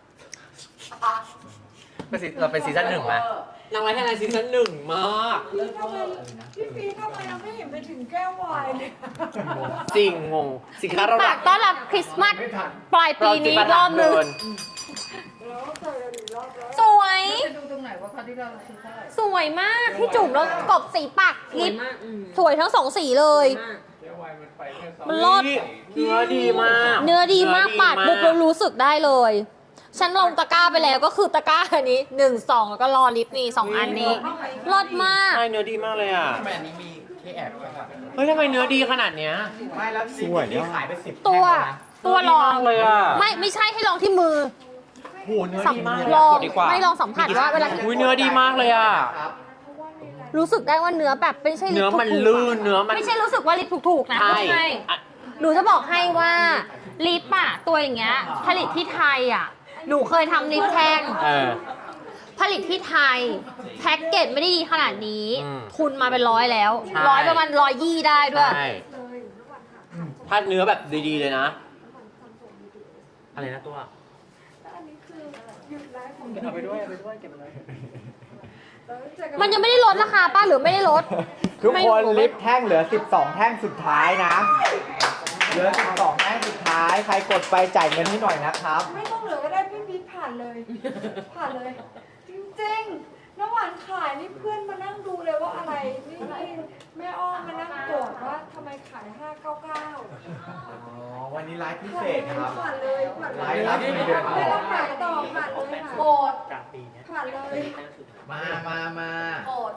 Speaker 1: เป็นซีเราเป็นซีซั่นหนึ่งไหมนางไลฟ์ไทยแลนด์ซีซั่นหนึ่งมาก
Speaker 3: พี่ทำไมพี่ฟีทำไมเราไม่เห็นไปถึงแก้ววายเลย
Speaker 1: จริงงงสินค้าเรา
Speaker 2: ปากต้อนรับคริสต์มาสปลายปีนี้อีกรอบนึง
Speaker 3: แล้วเจอกันอีกรอบแล้ว
Speaker 2: สวย
Speaker 7: จะดูตรงไหนว่าคราวที่เราซื้อเท่าไหร่
Speaker 2: สวยมากพี่จุ๋มแล้วกบสีปากกริป
Speaker 7: มากอืม
Speaker 2: สวยทั้งสองสีเลย
Speaker 7: มาก
Speaker 2: มันรอด
Speaker 1: เนื้อดีมาก
Speaker 2: เนื้อดีมากปาดปุ๊บ
Speaker 1: เนื้
Speaker 2: เรา
Speaker 1: อดีม
Speaker 2: รู้สึกได้เลย ฉันลงตะกร้าไปแล้วก็คือตะกร้าอันนี้หนึ่งสองแล้วก็รอลิปนี่สองอันนี้รอดมาก
Speaker 1: ใช่เนื้อดีมากเลยอ่ะ
Speaker 4: ทำไมอันนี้มีเคแอบด้วยครับ
Speaker 1: เฮ้ยทำไมเนื้อดีขนาดเนี้ย
Speaker 4: ไม่แล้วสวยนี่ขายไปสิบ
Speaker 2: ตัว ตัวลอง
Speaker 1: เนื้ดีมากเลยอ่ะ
Speaker 2: ไม่ไม่ใช่ให้ลองที่มือ
Speaker 1: โหเนื้อ
Speaker 2: สัม
Speaker 1: ดีมาก
Speaker 2: ลอง
Speaker 1: กดดีกว่า
Speaker 2: ไม่ลองสัมผัสว่าเวลา
Speaker 1: อุ้ยเนื้อดีมากเลยอ่ะ
Speaker 2: รู้สึกได้ว่าเนื้อแบบไม่ใช่ลิ
Speaker 1: เนื้
Speaker 2: ป
Speaker 1: อมัน
Speaker 2: ถูกๆ
Speaker 1: ลื่นเนื้อมัน
Speaker 2: ไม่ใช่รู้สึกว่าลิปถูกๆนะ
Speaker 1: ใช่
Speaker 2: ไม่ใช่
Speaker 1: อ่ะ
Speaker 2: หนูจะบอกให้ว่าลิปอะตัวอย่างเงี้ยผลิตที่ไทยอะหนูเคยทำลิปแท่ง
Speaker 1: เออ
Speaker 2: ผลิตที่ไทยแพ็กเกจไม่ได้ดีขนาดนี้
Speaker 1: อืม
Speaker 2: ทุนมาเป็นร้อยแล้ว
Speaker 1: ใช่
Speaker 2: ร้อยประมาณร้อยยี่ได้ด้วย
Speaker 1: ใช่ถ้าเนื้อแบบดีๆเลยนะ อะไรนะตัว
Speaker 3: อันนี้คือหยุดไลฟ์ของ
Speaker 1: เอาไปด้วยเอาไปด้วยเก็บไปเลย
Speaker 3: แล้วเจอกั
Speaker 2: มันยังไม่ได้ลดราคาป้าหรือไม่ได้ลด
Speaker 4: ทุก
Speaker 2: ไม่
Speaker 4: คน
Speaker 2: รู้
Speaker 4: ลิปแท่งเหลือสิบสองแท่งสุดท้ายนะ เหลือสิบสองแท่งสุดท้าย ใครกดไปจ่ายเงินให้หน่อยนะครับ
Speaker 3: ไม่ต้องเหลือก็ได้พี่พีชผ่านเลย ผ่านเลย จริงๆน้ำหวานขายนี่เพื่อนมานั่งดูเลยว่าอะไร นี่นี่แม่อ้อมมานั่งโกรธว่าทำไมขายห้าเก้าเก้า
Speaker 4: อ๋อ วันนี้ไลฟ์พิ
Speaker 3: ผ่า
Speaker 4: เศ
Speaker 3: น
Speaker 4: ษ
Speaker 3: เลย
Speaker 4: ครับ
Speaker 3: ผ่านเลยผ่านเลย
Speaker 4: ไลฟ์รับเงินเดือนออก
Speaker 3: ไม่ต้องขายต่อผ่านเลยค่ะ
Speaker 5: โกรธ
Speaker 1: กลางปีเนี้ย
Speaker 3: ผ่านเลย
Speaker 4: มามามา
Speaker 5: โกรธ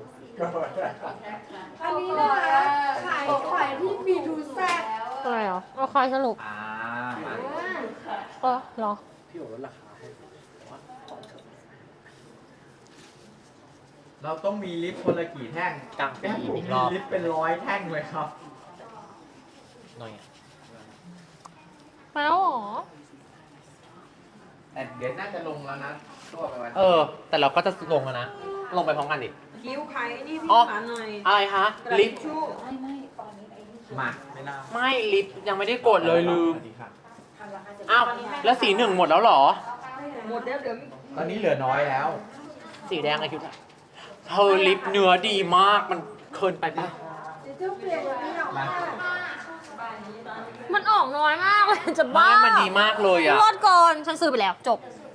Speaker 3: อันนี้นะคะขายขายที่บีทูแซด
Speaker 2: อะไรเหรอเอาคอยสรุป
Speaker 4: อ่ามา
Speaker 2: เออเหรอ
Speaker 1: พี่บอกลดราคาให้
Speaker 4: เราต้องมีลิปคนละกี่แท่ง
Speaker 1: กลางปี
Speaker 4: แม่ผม
Speaker 1: อีก
Speaker 4: มี
Speaker 1: รอบ
Speaker 4: ลิปเป็นร้อยแท่งเลยครับ
Speaker 1: หน่อยอะ
Speaker 2: มาแล้วเหรอ
Speaker 4: แต่เดี๋ยวน่าจะลงแล้วนะตัวไปวัน
Speaker 1: เออ แต่เราก็จะลงแล้วนะ ลงไปพร้อมกันดิ
Speaker 7: คิ้วใครนี่พี่
Speaker 1: อ๋อ
Speaker 7: หาหน่อย
Speaker 1: อะไรคะ ลิป
Speaker 7: ชู่
Speaker 4: มาไม่น่า
Speaker 1: ไม่ลิปยังไม่ได้กดเลยลืม
Speaker 4: สวัสดีครับ
Speaker 1: อ้าว แล้วสีหนึ่งหมดแล้วเหรอ
Speaker 7: หมดแล้วเดี๋ยว
Speaker 4: ตอนนี้เหลือน้อยแล้ว
Speaker 1: สีแดงไอคิวเธอลิปเนื้อดีมาก มันเคินไปปะ
Speaker 3: เดี๋ยวเจ้าเปลี่ยนแบบนี้หรอกค่ะ
Speaker 2: มันออกน้อยมากเลยจะบ้า
Speaker 1: ไม่มันดีมากเลยอ่ะ
Speaker 2: รอดก่อนฉันซื้อไปแล้วจบ
Speaker 3: เ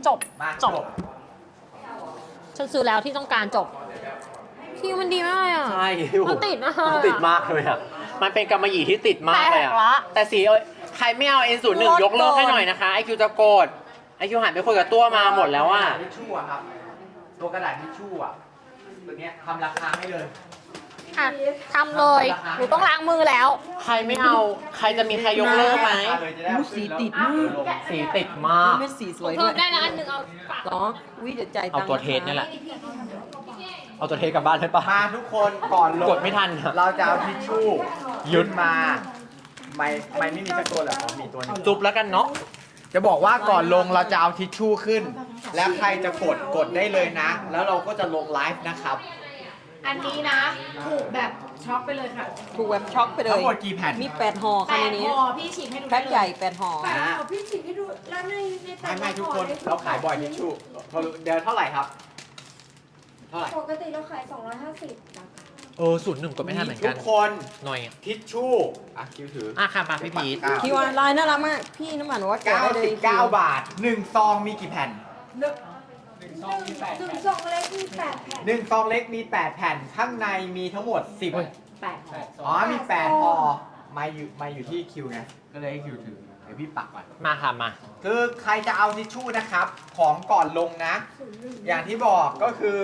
Speaker 2: จบ
Speaker 4: มา
Speaker 2: จบ ฉันซื้อแล้วที่ต้องการจบคิวมันดีมากเลยอ่ะ
Speaker 1: ใช่
Speaker 2: มันติดมาก
Speaker 1: มันติดมากเลยอ่ะ มันเป็นกำมะหยี่ที่ติดมากเลยอ่ะ
Speaker 2: แปลกละ
Speaker 1: แต่สีเอ้ยใครไม่เอา เอ็น ศูนย์ หนึ่ง
Speaker 2: ลด
Speaker 1: ยกเลิกให้
Speaker 2: ก่อน
Speaker 1: หน่อยนะคะไอคิวจะโกรธไอคิวหันไปคุยกับตัวมาหมดแล้วอ่ะ
Speaker 4: ทิชชู่อะครับ ตัวกระดาษทิชชู่อะตัวเนี้ยทำราคาให้เลย
Speaker 2: อ่ะทำเลย หนูต้องล้างมือแล้ว
Speaker 1: ใครไม่เอา ใครจะมีใครยกเลิกไหม
Speaker 4: สีติดมาก
Speaker 1: สีติดมาก
Speaker 7: เป็นสีสวย
Speaker 2: เพิ่
Speaker 7: ด้วย
Speaker 2: มได้นะอันหนึ่งเอาปาก
Speaker 7: เหรอวิเดี๋ยวใจาย
Speaker 1: เอา
Speaker 7: ตังค์
Speaker 1: ตัวเทสนี่แหละ เอาตัวเทสกลับบ้านได้ปะ
Speaker 4: มาทุกคนก่อนลง
Speaker 1: กดไม่ทันอะ
Speaker 4: เราจะเอาทิชชู่ยึดมา ไม่ไม่ไม่มีสักตัวเหรออ๋อมีตัวหนึง
Speaker 1: จุบแล้วกันเนาะ
Speaker 4: จะบอกว่าก่อนลงเราจะเอาทิชชู่ขึ้น แล้วใครจะกดกดได้เลยนะ แล้วเราก็จะลงไลฟ์นะครับ
Speaker 5: อันนี้นะถูกแบบช็อกไปเลยค่ะ
Speaker 7: ถูกแบบช็อกไปเลย
Speaker 4: ทั้งหมดกี่แผ่น
Speaker 7: มีแปดห่อ
Speaker 5: แป
Speaker 7: ค่ะใน
Speaker 5: ด
Speaker 7: นี้
Speaker 5: ห่อพี่ฉีกให้ดู
Speaker 7: แพ็คใหญ่แปดห่อ
Speaker 3: ไปขอพี่ฉีกให้ดูแล้วในในแต่
Speaker 4: ไม่
Speaker 3: ละ
Speaker 4: ไม่ทุกคน
Speaker 3: ห่อ
Speaker 4: เราขายบ่อยทิชชู่เดี๋ยวเท่าไหร่ครับ เท่าไหร่
Speaker 3: ปกติเราขายสองร้อยห้าสิบนะคะ
Speaker 1: เออศูนย์หนึ่งกดไม่ทันเหมือน
Speaker 4: ทุ
Speaker 1: กัน
Speaker 4: กคน
Speaker 1: หน่อย
Speaker 4: ทิชชู่อ่ะคิวถือ
Speaker 1: อ่ะค่ะมาพี่พีท
Speaker 7: คิวอาร์ไลน์น่ารักมาก พี่น้ำมันว่าแกะได้เลย
Speaker 4: 99 บาทหนึ่งซองมีกี่แผ่น
Speaker 3: หนึ่งถึงสองเล็กมีแปดแผ่น
Speaker 4: หนึ่งซองเล็กมี แปด แผ่น ข้างในมีทั้งหมด สิบ
Speaker 5: แปดห่อ
Speaker 4: อ๋อ มี แปดห่อมาอยู่มาอยู่ที่คิวไง ก็เลยให้คิวถือ เดี๋ยวพี่ปักก่อน
Speaker 1: มาค่ะมา
Speaker 4: คือใครจะเอาทิชชู่นะครับ ของก่อนลงนะ อย่างที่บอกก็คือ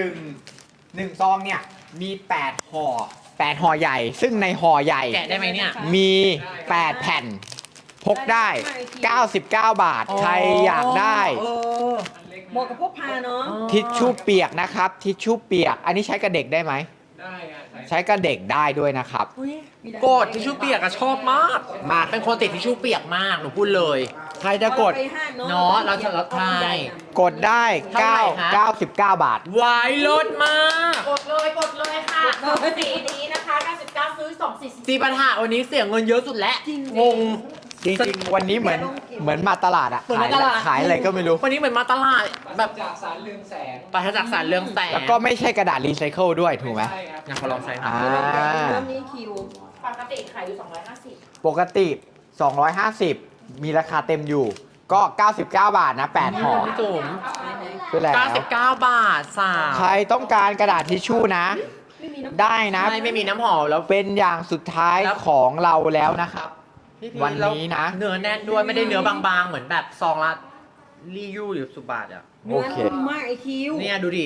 Speaker 4: 1 1ซองเนี่ย มี แปด ห่อ แปด ห่อใหญ่ ซึ่งในห่อใหญ่
Speaker 1: แกะได้ไหมเนี่ย
Speaker 4: มี แปด แผ่น พกได้ เก้าสิบเก้า บาท ใครอยากได้
Speaker 7: เออเหมาะกับพวกพาเนาะ
Speaker 4: ทิชชู่เปียกนะครับ ทิชชู่เปียก อันนี้ใช้กับเด็กได้ไหม ได้ใช้กับเด็กได้ด้วยนะครับ
Speaker 1: โกดทิชชู่เปียกอะชอบมาก
Speaker 4: มา
Speaker 1: เป็นคนติดทิชชู่เปียกมาก หนูพูดเลย
Speaker 4: ใครจะกด
Speaker 7: ไปห้างเนาะ
Speaker 1: เนาะเราจะลดให้
Speaker 4: กดได้
Speaker 1: เท่าไหร่ฮะ
Speaker 4: เก้าสิบเก้า บาท
Speaker 1: วายลดมาก
Speaker 5: กดเลยกดเลยค่ะสองสีนี้นะคะเก้าสิบเก้าซื้อสองสี่สิบ
Speaker 1: จีปัญหาวันนี้เสียเงินเยอะสุดแล้วงง
Speaker 4: จริงๆ วันนี้เหมือนเหมือนมาตลาดอะ
Speaker 1: เหมือน
Speaker 4: ขาย
Speaker 1: มาตลาด
Speaker 4: ขายอะไรก็ไม่รู้
Speaker 1: วันนี้เหมือนมาตลาดแบบจากสารเรืองแสงปราศจากสารเรืองแสง
Speaker 4: แล้วก็ไม่ใช่กระดาษรีไซเคิลด้วยถูกไหม
Speaker 1: งั้นขอลองใช้หน่
Speaker 4: อ่า
Speaker 1: อย
Speaker 7: เริ่มนี้คิว
Speaker 5: ปกติขายอยู่สองร้อยห้าสิบ
Speaker 4: ปกติ สองร้อยห้าสิบ มีราคาเต็มอยู่ ก็ เก้าสิบเก้า บาทนะ แปด ห่อ
Speaker 1: พี่จุ๋ม
Speaker 4: คือแล้ว
Speaker 1: เก้าสิบเก้าบาทสาม
Speaker 4: ใครต้องการกระดาษทิชชู่นะ ได้นะ
Speaker 1: ใช่ไม่มีน้ำหอมแล้ว
Speaker 4: เป็นอย่างสุดท้าย
Speaker 1: แล้ว
Speaker 4: ของเราแล้วนะครับ
Speaker 1: พี่พีช
Speaker 4: วันนี้นะ
Speaker 1: แล้วเนื้อแน่นด้วยไม่ได้เนื้อบางๆ เหมือนแบบซองละรียูหรือสุบาทอ่ะ
Speaker 4: โอเค
Speaker 7: เนื้อนุ่มมากไอคิว
Speaker 1: เนี่ยดูดิ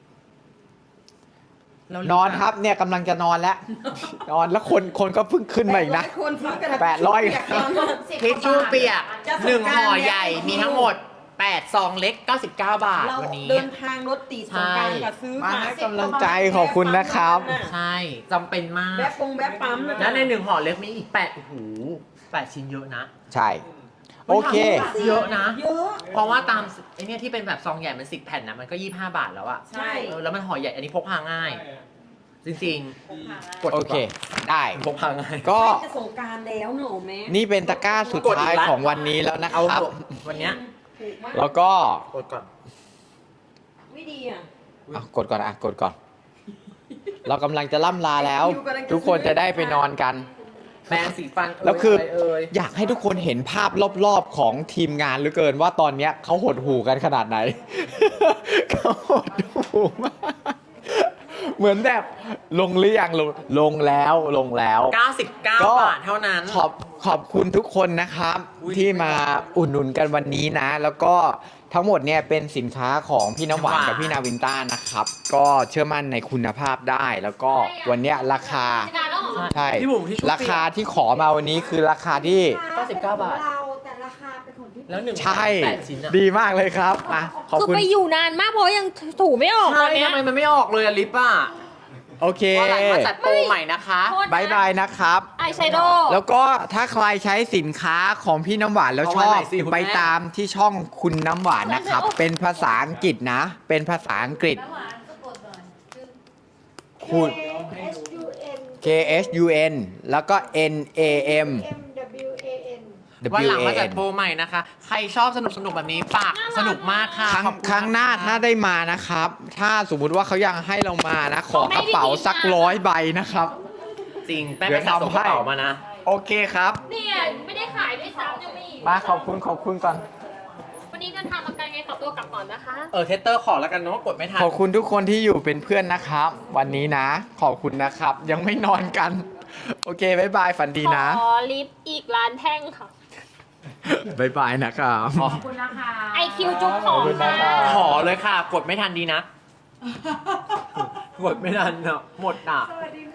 Speaker 1: เรา
Speaker 4: นอนครับเนี่ยกำลังจะนอนแล้ว นอนแล้วคนคนก็เพิ่งขึ้นมาอีกนะ
Speaker 7: คนซื้อกระดาษ
Speaker 4: แปดร้อย
Speaker 7: เปีกกันมาก
Speaker 1: ทิชชู่เปียก
Speaker 7: จะสงกรานต์
Speaker 1: หนึ่งห่อใหญ่
Speaker 7: เนี่ย
Speaker 1: มีทั้งหมดแปดซองเล็กเก้าสิบเก้าบาท
Speaker 7: เรา
Speaker 1: วันนี้
Speaker 7: เดินทางรถติดสงกรารกับซื้อ
Speaker 4: มา
Speaker 7: มา
Speaker 4: ให้กำลังใจขอบคุณนะครับ
Speaker 1: ใช่จำเป็นมาก
Speaker 7: แบ๊บปงแบ๊บปั๊มะ
Speaker 1: แล้วในหนึ่งห่อเล็กมีอีกแปดโอ้โหแปดชิ้นเยอะนะ
Speaker 4: ใช่ โอเค
Speaker 1: เยอะนะ
Speaker 7: เยอะ
Speaker 1: เพราะว่าตามไอเนี่ยที่เป็นแบบซองใหญ่มันสิบแผ่นนะมันก็ยี่สิบห้าบาทแล้วอะ
Speaker 7: ใช่
Speaker 1: เออแล้วมันห่อใหญ่อันนี้พกพาง่าย จริงๆกด
Speaker 4: โอเค ได้
Speaker 1: พกพาง่าย
Speaker 4: ก็
Speaker 7: จะสงกรารแล้วหนูแม่
Speaker 4: นี่เป็นตะกร้าสุดท้ายของวันนี้แล้วนะค
Speaker 1: เอา
Speaker 4: รับ
Speaker 1: วันเนี้ย
Speaker 7: ถูกมาก
Speaker 4: แล้วก็
Speaker 1: กดก่อน
Speaker 7: ไม่ดีอ่ะ
Speaker 4: อ่ะกดก่อนอ่ะกดก่อน เรากำลังจะล่ำลาแล้ว ทุกคนจะได้ไปนอนกัน
Speaker 1: แปรงสีฟันเย
Speaker 4: แล้วคือ
Speaker 1: ะไรเอ่ย
Speaker 4: อยากให้ทุกคนเห็นภาพรอบๆของทีมงานเหลือเกินว่าตอนเนี้ยเขาหดหูกันขนาดไหน เขาหดหูมาก เหมือนแบบลงหรือยังลงลงแล้วลงแล้ว
Speaker 1: เก้าสิบเก้า
Speaker 4: ก็
Speaker 1: บาทเท่านั้น
Speaker 4: ขอบขอบคุณทุกคนนะครับ
Speaker 1: อุ๊ย
Speaker 4: ที่มาอุดหนุนกันวันนี้นะ แล้วก็ทั้งหมดเนี่ยเป็นสินค้าของพี่น้ำหวาน
Speaker 1: น้ำหวาน
Speaker 4: กับพี่นาวินต้านะครับ ก็เชื่อมั่นในคุณภาพได้ แล้วก็วันเนี้ยราคา
Speaker 2: นานแล้วเหรอ
Speaker 4: ใช่
Speaker 1: พี่บุ๋มที่ชุบ
Speaker 4: ราคาที่ขอมาวันนี้คือราคาที่
Speaker 1: เก้าสิบเก้าบาท
Speaker 3: เราแต่ราคาเป็นของพี่
Speaker 1: แล้วหนึ่ง
Speaker 4: ใช่
Speaker 1: แปดชิ้นอะ
Speaker 4: ดีมากเลยครับอ่ะขอบ
Speaker 2: คือ
Speaker 4: คุณ
Speaker 2: ไปอยู่นานมากเพราะยังถูไม่ออกต
Speaker 1: ใช่
Speaker 2: อนเนี้ย
Speaker 1: ทำไมมันไม่ออกเลยอะลิปอะ
Speaker 4: โอเค
Speaker 1: วันหลังมาจัดโปรใหม่นะคะ
Speaker 2: โทษนะ
Speaker 4: บายบายนะครับ
Speaker 2: อายแชโดว์
Speaker 4: แล้วก็ถ้าใครใช้สินค้าของพี่น้ำหวานแล้วช
Speaker 1: เอา
Speaker 4: อ
Speaker 1: ไว้
Speaker 4: บ
Speaker 1: หน่อยสิคุณแม่
Speaker 4: ไปตามที่ช่องคุณน้ำหวานนะครับ เป็นภาษาอังกฤษนะ เป็นภาษาอังกฤษคุณ
Speaker 3: เค
Speaker 4: K H U N แล้วก็ N A M
Speaker 3: M W A N
Speaker 1: วัน
Speaker 4: W
Speaker 1: หลัง
Speaker 4: A
Speaker 1: มาจัด
Speaker 4: N
Speaker 1: โปรใหม่นะคะ ใครชอบสนุกสนุกๆแบบนี้ฝากสนุกมากค่ะ
Speaker 4: ครั้ง
Speaker 1: ขอบณ
Speaker 4: ครั้งหน้า
Speaker 1: ะคะ
Speaker 4: ถ้าได้มานะครับ ถ้าสมมุติว่าเขายังให้เรามานะ ขอกระเป๋าสักร้อยใบนะครับ
Speaker 1: จริงแป้งไปสะสมกระเป๋ามานะ
Speaker 4: โอเคครับ
Speaker 2: เนี่ยไม่ได้ขายด้วยซ้ำยังมี
Speaker 4: มาขอบคุณขอบคุณก่อน
Speaker 2: วันนี้เดินทางมาไกลไงขอตัวกลับก่อนนะคะ
Speaker 1: เออเทสเตอร์ขอแล้วกันเนาะกดไม่ทัน
Speaker 4: ขอบคุณทุกคนที่อยู่เป็นเพื่อนนะครับ วันนี้นะ ขอบคุณนะครับ ยังไม่นอนกัน โอเคบายบายฝันดีนะ
Speaker 2: ขอลิฟต์อีกร้านแท่งค่ะ
Speaker 4: บายบายนะครับ
Speaker 5: ขอบคุณนะคะ
Speaker 2: ไอคิวจุ๊บของค่ะ
Speaker 1: ขอเลยค่ะ กดไม่ทันดีนะ กดไม่ทันเนาะหมดอ่ะ
Speaker 3: สวัสดี